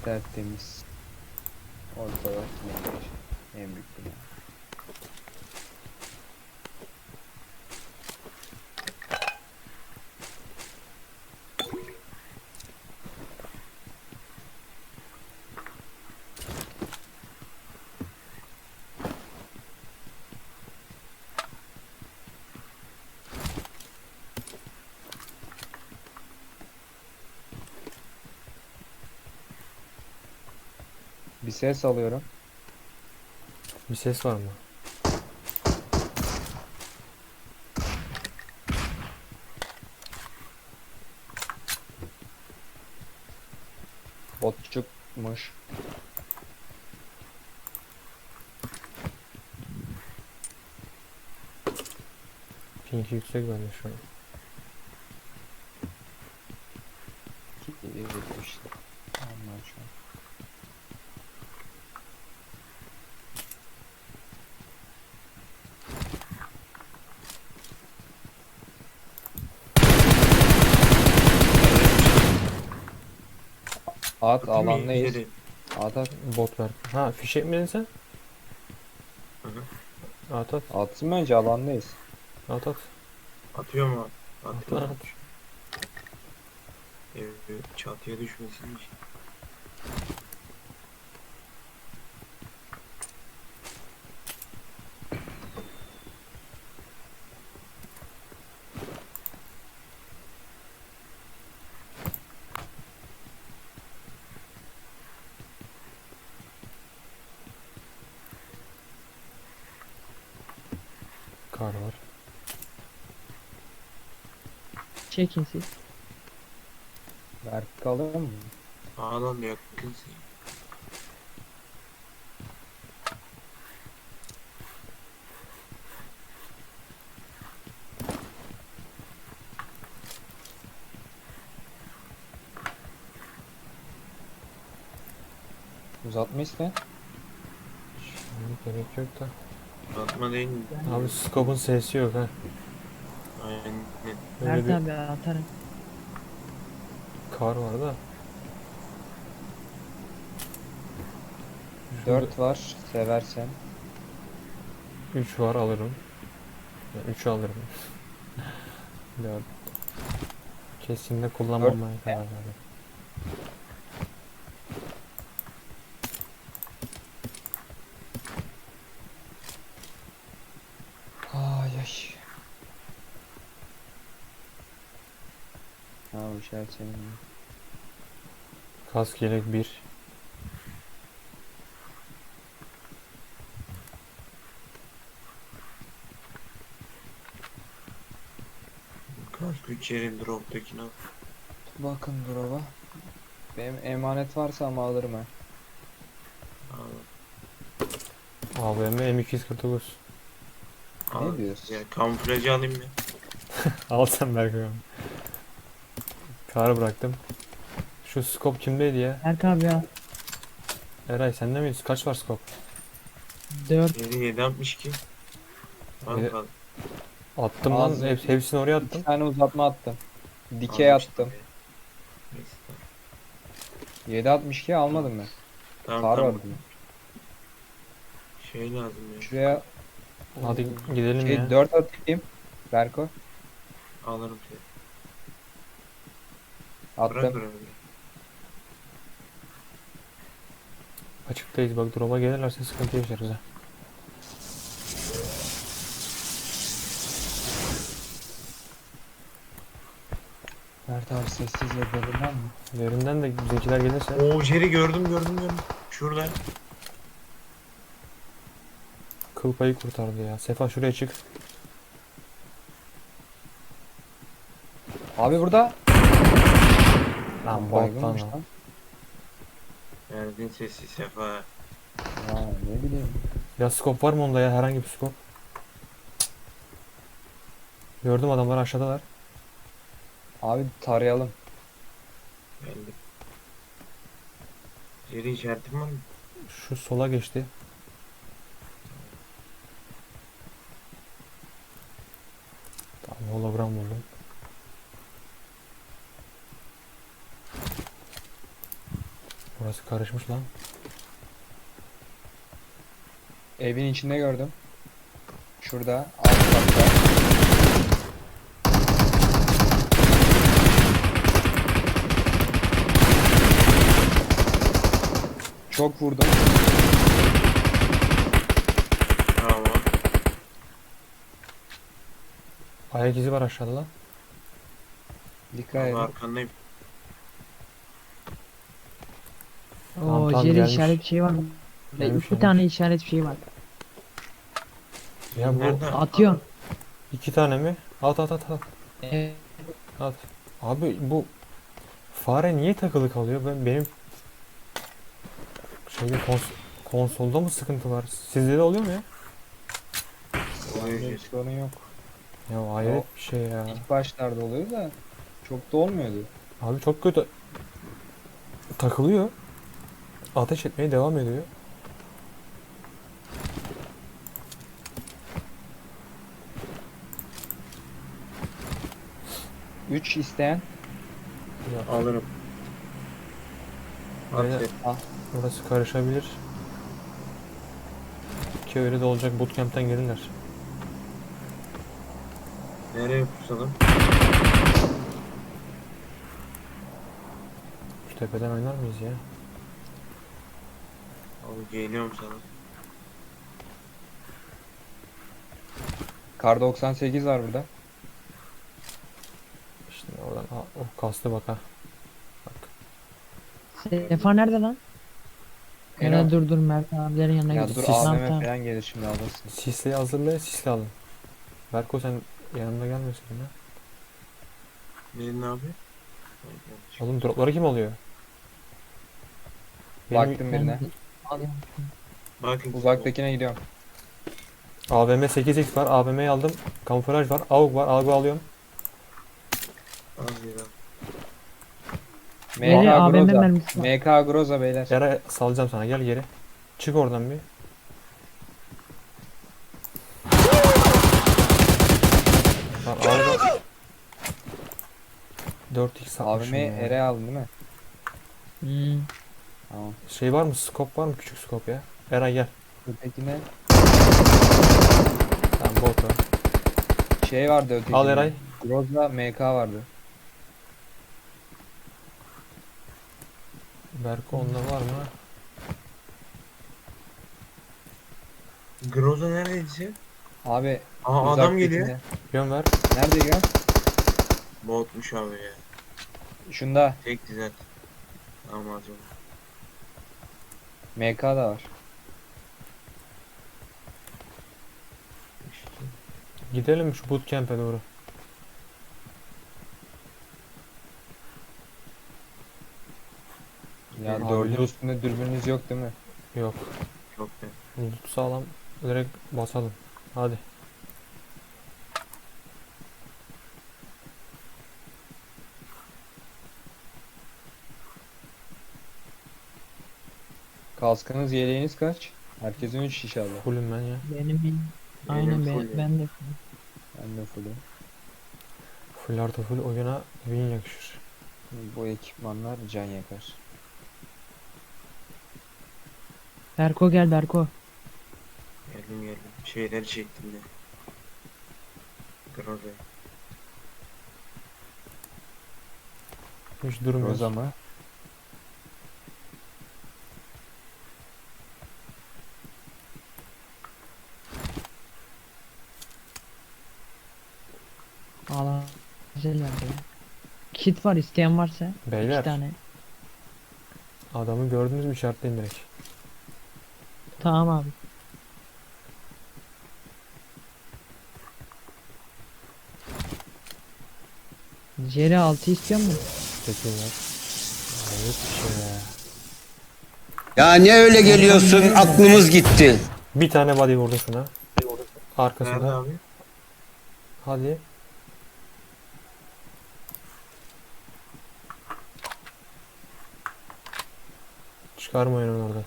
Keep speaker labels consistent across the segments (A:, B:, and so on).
A: Tertemiz. Ortada en büyük bina. Bir ses alıyorum.
B: Bir ses var mı?
A: Botçukmuş.
B: Pink yüksek bende şu an.
A: İşte. Onlar şu an. At
C: Atayım mı
A: alandayız.
C: içeri?
A: At.
B: Bot ver. Ha fişek mi dedin sen?
C: Hı hı.
B: At at.
A: Atsın mı önce alandayız.
B: At at.
C: Atıyor mu?
B: At
C: Atıyor.
B: at.
C: Çatıya düşmesin hiç.
B: Kar var.
D: Çekin siz.
A: Berk alır mı?
C: Sağdan da yakınsın.
A: Uzatma iste.
B: Şimdi gerek yok da.
C: Atma değil mi?
B: Abi scope'un sesi yok ha.
C: Aynen.
B: Öyle
D: Mert
B: bir
D: abi atarım.
B: kar var da.
A: 4 var seversen.
B: 3 var alırım. 3 alırım. 4. Kesinlikle kullanmamaya karar verdim.
A: Ay ay. Ha bu şey senin.
B: Kask yelek 1.
C: Kask 3 yerin drop'takine al.
A: Bakın drop'a. Benim emanet varsa ama alırım ha.
C: Al.
B: AVM M249.
C: Al.
A: Ne diyorsun?
C: Ya kamuflajı alayım mı?
B: Al sen Berkay abi. Karı bıraktım. Şu scope kimdeydi ya?
D: Mert abi ya.
B: Eray sende miyiz? Kaç var scope?
D: 4.
C: 762.
B: Yedi-
C: Al.
B: Attım lan.
A: Ağzı-
B: Hepsini oraya
A: 2
B: attım.
A: tane uzatma attım. Dikey attım.
C: Neyse,
A: 7.62 almadım ben.
C: tamam
A: Kar
C: tamam.
A: var bunun.
C: Şey lazım ya.
A: Şuraya
B: Hadi gidelim ya.
A: 4 atayım. Berko.
C: Alırım seni. Bırak
A: Attım.
C: bırak.
B: Açıktayız bak, drop'a gelirlerse sıkıntı yaşarız ha.
A: Mert abi sessiz yapalım mı?
B: Derinden de bizimkiler gelirse
C: Oo Jerry gördüm. Şurada.
B: kıl payı kurtardı ya. Sefa şuraya çık.
A: Abi burada.
B: Lan bot
A: Baygınmış
B: lan.
A: lan.
C: Verdin sesi Sefa.
A: Ya ne bileyim.
B: Ya scope var mı onda ya, herhangi bir scope? Gördüm, adamlar aşağıdalar.
A: Abi tarayalım.
C: Geldi. Jerry işaretin var mı?
B: Şu sola geçti. Tamam, hologram buldum. Burası karışmış lan.
A: Evin içinde gördüm. Şurada alt katta. Çok vurdum.
C: Bravo.
B: Ayak izi var aşağıda lan.
A: Dikkat
C: Abi
A: edin.
C: arkandayım.
B: Tamam,
D: Oo,
B: tamam,
D: Jerry
B: gelmiş.
D: işaret bir şey var.
B: Gelmiş,
D: İki
B: gelmiş.
D: tane işaret bir şey var.
B: Ya bu
C: Nerede?
D: Atıyorum.
B: 2 tane mi? At at at at.
D: Evet.
B: At. Abi bu fare niye takılı kalıyor? Benim şeyde konsolda mı sıkıntı var? Sizde de oluyor mu ya?
C: Oluyor
A: Bende bir
C: Jet.
A: sorun yok.
B: Ya hayret bir şey ya.
A: İlk başlarda oluyor da çok da olmuyordu.
B: Abi çok kötü. Takılıyor. Ateş etmeye devam ediyor.
A: Üç isteyen
C: Alırım. At
B: Beyler,
C: Jet.
B: burası karışabilir. Ki öyle de olacak, bootcamp'ten gelirler.
C: Nereye pusalım?
B: Şu tepeden oynar mıyız ya?
C: Abi geliyorum sana.
A: Kar 98 var burada.
B: İşte oradan o kastı bak ha. Bak.
D: Sefa nerede lan?
A: Eno.
D: Eno dur Mert abilerin yanına
A: Ya
D: gidiyor.
A: dur
B: Tamam,
A: AVM
D: tamam.
A: falan gelir şimdi alırsın.
B: Sisli'yi hazırla, sisli alın. Berko sen yanımda gelmiyorsun ya.
C: Neyin abi?
B: Oğlum dropları kim alıyor? Benim
A: Baktım
D: Ben
A: birine.
D: alıyorum.
C: Bakın.
A: Uzaktakine gidiyorum.
B: AVM 8x var. AVM'yi aldım. Kamuflaj var. AUG var. AUG'u alıyorum.
C: Az ya.
D: Geri
A: MK
D: AVM
A: Groza.
D: mermisi var.
A: MK Groza beyler.
B: Yara salacağım sana. Gel geri. Çık oradan bir. Lan AUG'u 4x satmışım
A: AVM'yi
B: ya.
A: ere aldın değil mi?
D: Hmm.
A: Tamam.
B: Şey var mı? Scope var mı? Küçük scope ya. Eray gel.
A: Ötekine
B: Tamam bot var.
A: şey vardı ötekine.
B: Al Eray.
A: Groza MK vardı.
B: Berko onda var mı?
C: Groza neredeydi sen?
A: Abi
C: Aa adam geliyor.
A: uzaktakine-
B: Yön ver.
A: Nerede ya?
C: Botmuş abi ya.
A: Şunda
C: Tek dizet. Tamam acaba.
A: MK da var.
C: İşte.
B: Gidelim şu bootcamp'e doğru.
A: Ya
B: Abi
A: dördün
B: loot-
A: üstünde dürbününüz yok değil mi?
B: Yok.
C: Çok be.
B: Loot sağlam. Direkt basalım. Hadi.
A: Kaskınız yeleğiniz kaç? Herkesin 3 inşallah.
B: Fullüm ben ya.
D: Benim aynen
C: full ya.
D: ben de.
A: Ben de fullüm.
B: Full artı full oyuna win yakışır.
A: Bu ekipmanlar can yakar.
D: Berko gel Berko.
C: Geldim. Şeyleri çektim de. Groza.
B: Hiç durmuyoruz.
A: Groza mı?
D: Allah güzel geldi ya. Kit var isteyen varsa.
B: Beyler.
D: 2 tane.
B: Adamı gördünüz mü işaretleyin direkt.
D: Tamam abi. Jerry 6 istiyor mu?
B: Teşekkürler. Hayret bir şey ya.
E: Ya ne öyle geliyorsun? Aklımız gitti.
B: Bir tane body vurdu şuna.
C: Nerede
B: Arkasında.
C: abi?
B: Hadi. Çıkarmayın onu oradan.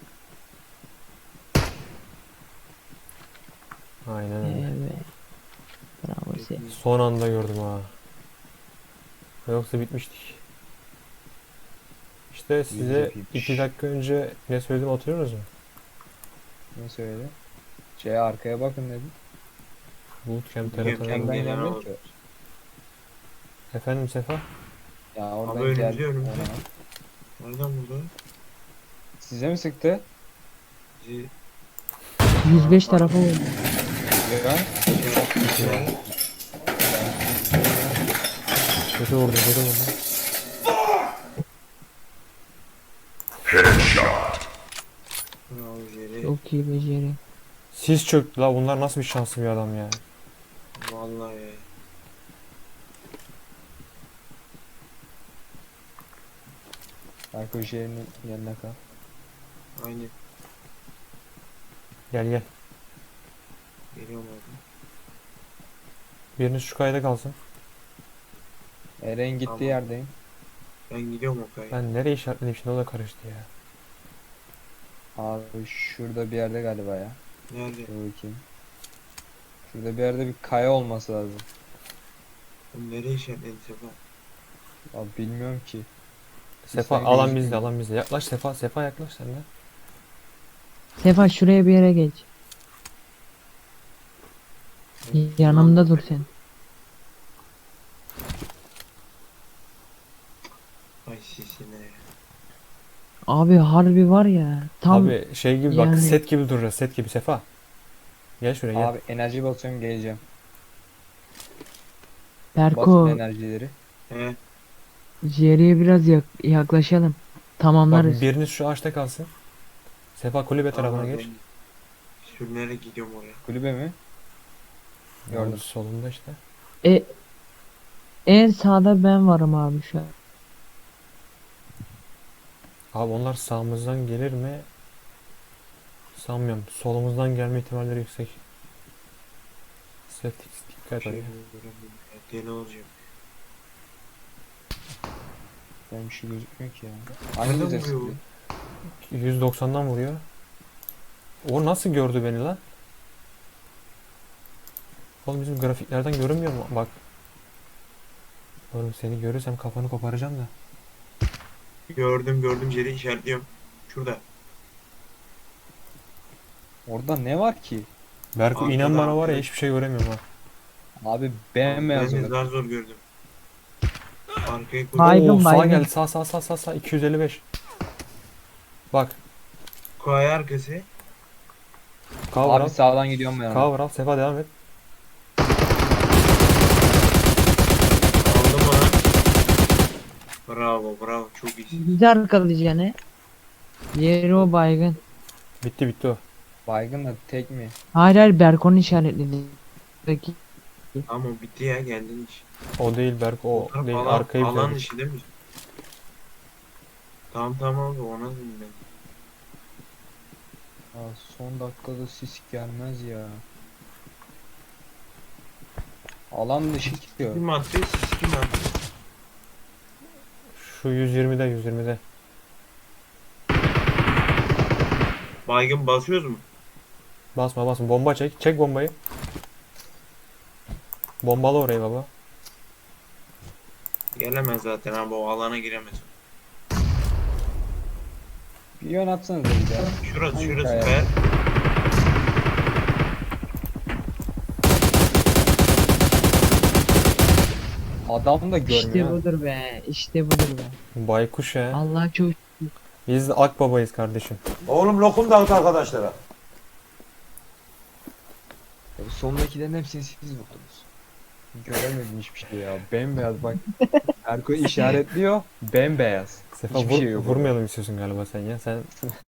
B: Aynen öyle.
D: Evet. Bravo sen.
B: Son anda gördüm ha. Yoksa bitmiştik. İşte size
A: yapayım.
B: 2 dakika önce ne söyledim hatırlıyorsunuz mu?
A: Ne söyledi? Arkaya bakın dedim.
B: Bootcamp
C: Bootcamp
B: TRT'den.
A: Ben
C: gelen
A: gelmiyorum
C: olur.
A: ki.
B: Efendim Sefa?
A: Ya oradan
C: Abi önümüzde,
A: geldi.
C: önümüzde.
A: Ona.
C: Nereden buldu?
A: Size mi sıktı?
C: Bizi
D: 105 tarafa oldu.
A: Ya.
B: Kötü vurdu, kötü vurdu.
C: Bravo Jerry.
D: Çok iyi beceri.
B: Sis çöktü la, bunlar nasıl bir şanslı bir adam ya.
C: Vallahi ya.
A: Arka şehrinin yanına kal.
C: Aynen.
B: Gel gel.
C: Geliyorum abi.
B: Biriniz şu kayda kalsın.
A: Eren gittiği
C: Tamam.
A: yerdeyim.
C: Ben gidiyorum o kayı.
B: Ben nereye işaretledim şimdi, o da karıştı ya.
A: Abi şurada bir yerde galiba ya.
C: Nerede?
A: Dur bakayım. Şurada bir yerde bir kaya olması lazım.
C: Oğlum nereye işaretledin Sefa?
A: Abi bilmiyorum ki.
B: Sefa
A: Sen
B: alan
A: gözükmüyor.
B: bizde, alan bizde. Yaklaş Sefa, Sefa yaklaş sen de.
D: Sefa şuraya bir yere geç. Yanımda dur sen.
C: Ay sisine ya.
D: Abi harbi var ya. Tam
B: Abi şey gibi bak,
D: yani-
B: set gibi duracağız, set gibi Sefa. Gel şuraya gel.
A: Abi enerji basıyorum geleceğim.
D: Berko.
A: Basın enerjileri.
C: He.
D: Jerry'e biraz yaklaşalım. Tamamlarız.
B: Bak biriniz şu ağaçta kalsın. Sefa kulübe tarafına
C: Tamam,
B: geç.
C: ben sürünerek gidiyorum oraya.
A: Kulübe mi? Gördüm.
B: Gördüm. Solunda işte.
D: En sağda ben varım abi şu an.
B: Abi onlar sağımızdan gelir mi? Sanmıyorum. Solumuzdan gelme ihtimalleri yüksek. Set dikkat
C: Şey
B: et.
C: göremiyorum ya, deli olacağım.
A: Ben bir şey gözükmüyor ki ya.
C: Nereden
A: Hangi bize
C: vuruyor bu?
A: sıktı?
B: 190'dan vuruyor. O nasıl gördü beni lan? Oğlum bizim grafiklerden görünmüyor mu? Bak. Oğlum seni görürsem kafanı koparacağım da.
C: Gördüm Jerry işaretliyorum. Şurada.
A: Orada ne var ki?
B: Berko
C: Arkada,
B: inan bana var ya,
C: arkada.
B: hiçbir şey göremiyorum ha.
A: Abi bembeyaz
C: Ben de
A: orada.
C: zar zor gördüm. Arkayı
D: Baygın,
B: Oo, sağa
D: baygın.
B: gel, sağ 255. Bak,
C: Kaya arkası.
B: cover al.
A: Abi sağdan gidiyorum ben. ona.
B: Cover al. Sefa devam et.
C: Aldım ona. Bravo çok iyisin.
D: Bizi arkalayacaksın he. Jerry o baygın.
B: Bitti o.
A: Baygın da tek mi?
D: Hayır Berko'nun işaretledi. Peki.
C: Ama bitti ya geldin iş.
B: O değil Berko, o
C: taraf
B: değil.
C: alan,
B: Arkayı
C: alan
B: bitirdik.
C: işi değil mi? Tamam abi ona dedim ben.
A: Aa, son dakikada sis gelmez ya. Alan dışı gidiyor.
C: Kim attı? Siz kim attı?
B: Şu 120'de.
C: Baygın basıyoruz mu?
B: Basma. Bomba çek. Çek bombayı. Bombalı orayı baba.
C: Gelemez zaten abi o alana giremez.
A: Bir yön atsanız da bir daha.
C: Şurası
A: Hangi kaya?
C: be.
A: Adam da
D: İşte
A: görmüyor. ha.
D: budur be. İşte budur be.
B: Baykuş ya.
D: Allah çok
B: Biz de Akbaba'yız kardeşim.
F: Oğlum lokum dağıt arkadaşlara.
A: Sondakilerin hepsini siz vurdunuz. Göremedim hiçbir şey ya. Bembeyaz bak. Erko işaretliyor. Bembeyaz.
B: Sefa
A: Hiçbir şey yok orada.
B: vurmayalım istiyorsun galiba sen ya. Sen